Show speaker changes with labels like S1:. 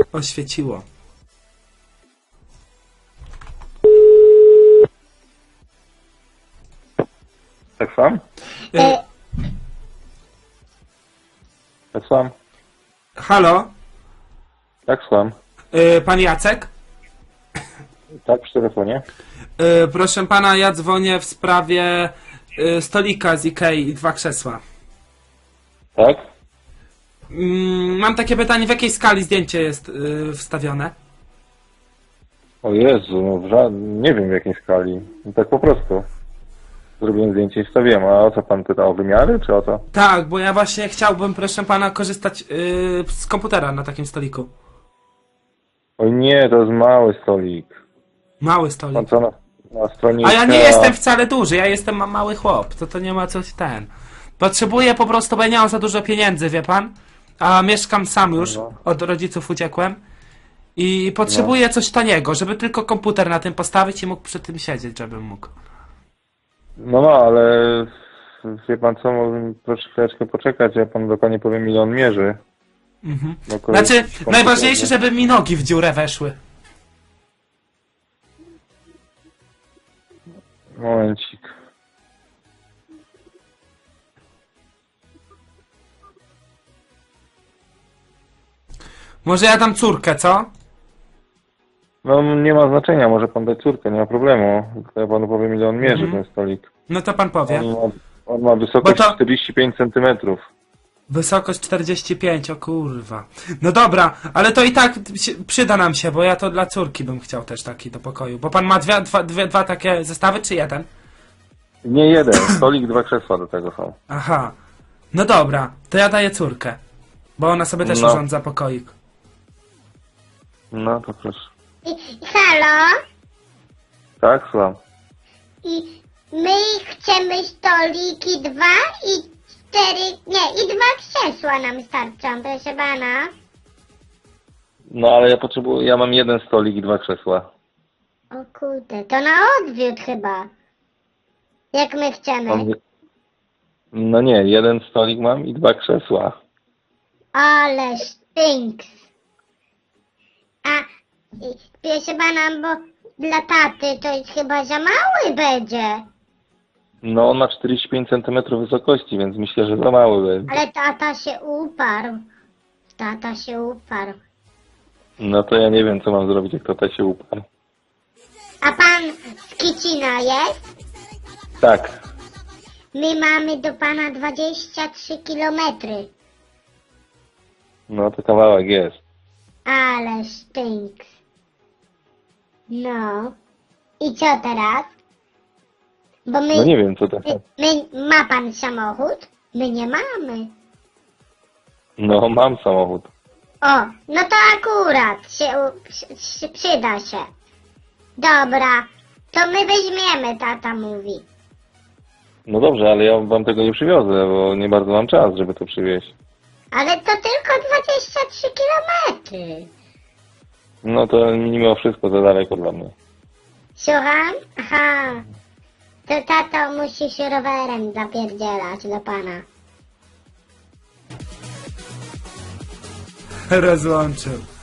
S1: oświeciło.
S2: Tak sam?
S1: Y,
S2: Tak sam?
S1: halo?
S2: Tak sam.
S1: Pan Jacek?
S2: Tak, przy telefonie.
S1: Proszę pana, ja dzwonię w sprawie stolika z Ikei i 2 krzesła.
S2: Tak?
S1: Mam takie pytanie, w jakiej skali zdjęcie jest wstawione?
S2: O Jezu, no nie wiem w jakiej skali. No tak po prostu. Zrobiłem zdjęcie i wstawiłem. A o co pan pyta? O wymiary, czy o co?
S1: Tak, bo ja właśnie chciałbym, proszę pana, korzystać z komputera na takim stoliku.
S2: Oj nie, to jest mały stolik.
S1: Mały
S2: Pan
S1: stolik.
S2: co na stronie
S1: A ja nie
S2: Ikea-
S1: jestem wcale duży, ja jestem mały chłop, to nie ma coś ten. Potrzebuję po prostu, bo ja nie mam za dużo pieniędzy, wie pan? A mieszkam sam już,
S2: No.
S1: od rodziców uciekłem. I potrzebuję coś taniego, żeby tylko komputer na tym postawić i mógł przy tym siedzieć, żebym mógł.
S2: No, ale wie pan co, proszę chwileczkę poczekać, ja panu dokładnie powiem ile on mierzy.
S1: Mhm.
S2: No, kolej-
S1: Znaczy,
S2: komputer,
S1: najważniejsze,
S2: nie?
S1: żeby mi nogi w dziurę weszły.
S2: Momencik.
S1: Może ja dam córkę, co?
S2: No nie ma znaczenia, może pan dać córkę, nie ma problemu. Tylko ja panu powiem ile on mierzy, ten stolik.
S1: No to pan powie.
S2: On ma wysokość
S1: Bo to-
S2: 45 cm.
S1: Wysokość 45, o kurwa. No dobra, ale to i tak przyda nam się, bo ja to dla córki bym chciał też taki do pokoju. Bo pan ma dwa takie zestawy, czy jeden?
S2: Nie jeden, stolik, 2 krzesła do tego są.
S1: Aha. No dobra, to ja daję córkę. Bo ona sobie też
S2: No.
S1: urządza pokoik.
S2: No to proszę.
S3: Halo?
S2: Tak, słucham.
S3: I my chcemy stoliki 2 i 4, nie, i 2 krzesła nam starczą, proszę pana.
S2: No ale ja mam jeden stolik i 2 krzesła.
S3: O kurde, to na odwiód chyba. Jak my chcemy.
S2: No nie, jeden stolik mam i 2 krzesła.
S3: Ale stinks. A, proszę pana, bo dla taty to jest chyba za mały będzie.
S2: No on ma 45 cm wysokości, więc myślę, że za mały będzie.
S3: Ale tata się uparł. Tata się uparł.
S2: No to ja nie wiem co mam zrobić, jak tata się uparł.
S3: A pan z Kicina jest?
S2: Tak.
S3: My mamy do pana 23 kilometry.
S2: No to kawałek jest.
S3: Ale stinks. No. I co teraz? Bo my,
S2: No nie wiem co to jest.
S3: ma pan samochód? My nie mamy.
S2: No mam samochód.
S3: O, no to akurat przyda się. Dobra, to my weźmiemy, tata mówi.
S2: No dobrze, ale ja wam tego nie przywiozę, bo nie bardzo mam czas, żeby to przywieźć.
S3: Ale to tylko 23 kilometry.
S2: No to mimo wszystko za daleko dla mnie.
S3: Słucham? Aha. To tato musi się rowerem zapierdzielać do pana.
S1: Rozłączył.